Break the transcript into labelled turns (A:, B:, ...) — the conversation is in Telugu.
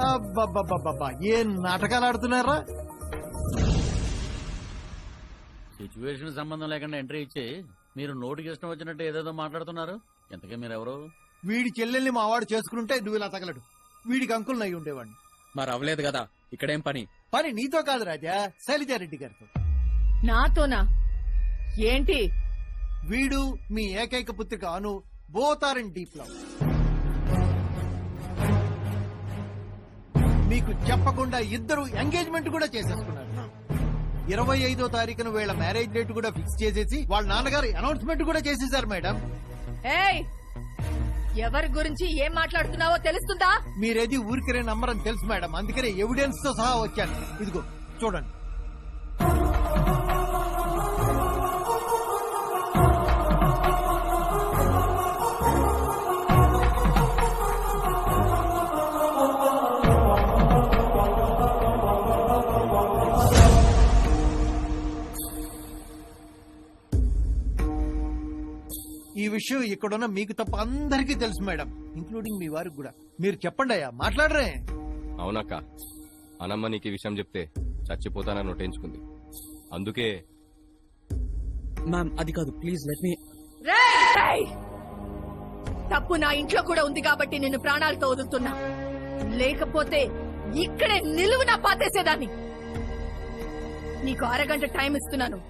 A: అబ్బబ్బబ్బబ్బా ఏం నాటకాలు ఆడుతున్నారా?
B: సిచ్యువేషన్ సంబంధం లేకుండా ఎంట్రీ ఇచ్చి మీరు నోటికి ఇష్టం వచ్చినట్టు ఏదేదో మాట్లాడుతున్నారు. ఎంతకీ మీరెవరు?
A: వీడి చెల్లెల్ని మా వాడు చేసుకుంటే నువ్వు ఇలా తగలడు. వీడికి అంకుల్ నయ్యి ఉండేవాడిని.
C: మరి అవ్వలేదు కదా, ఇక్కడేం పని?
A: పని నీతో కాదు రాజా, శైలజారెడ్డి గారితో.
D: నాతోనా? ఏంటి?
A: వీడు మీ ఏకైక పుత్రిక Anu both are in deep love. మీకు చెప్పకుండా ఇద్దరు ఎంగేజ్మెంట్ కూడా చేసేసుకున్నారు. 25వ తారీఖున వీళ్ళ మ్యారేజ్ డేట్ కూడా ఫిక్స్ చేసేసి వాళ్ళ నాన్నగారు అనౌన్స్మెంట్ కూడా చేసేసారు మేడం.
D: ఏయ్, ఎవరి గురించి ఏం మాట్లాడుతున్నావో తెలుస్తుందా?
A: మీరేది ఊరికనే నమ్మరని తెలుసు మేడం, అందుకనే ఎవిడెన్స్ తో సహా వచ్చాను. ఇదిగో చూడండి. ఈ విషయం ఇక్కడున్న మీకు తప్ప అందరికీ తెలుసు మేడం, ఇంక్లూడింగ్ మీ వారికి కూడా. మీరు చెప్పండి అయ్యా, మాట్లాడరే.
E: అవునక్క, అనమ్మ నీకు ఈ విషయం చెప్తే చచ్చిపోతానని నొట్టించుకుంది. అందుకే
C: మ్యామ్ అది కాదు, ప్లీజ్ లెట్ మీ.
D: రేయ్! తప్పు నా ఇంట్లో కూడా ఉంది కాబట్టి నిన్ను ప్రాణాలతో వదులుతున్నా. లేకపోతే ఇక్కడే నిలువునా పాతేసేదాన్ని. నీకు అరగంట టైం ఇస్తున్నాను.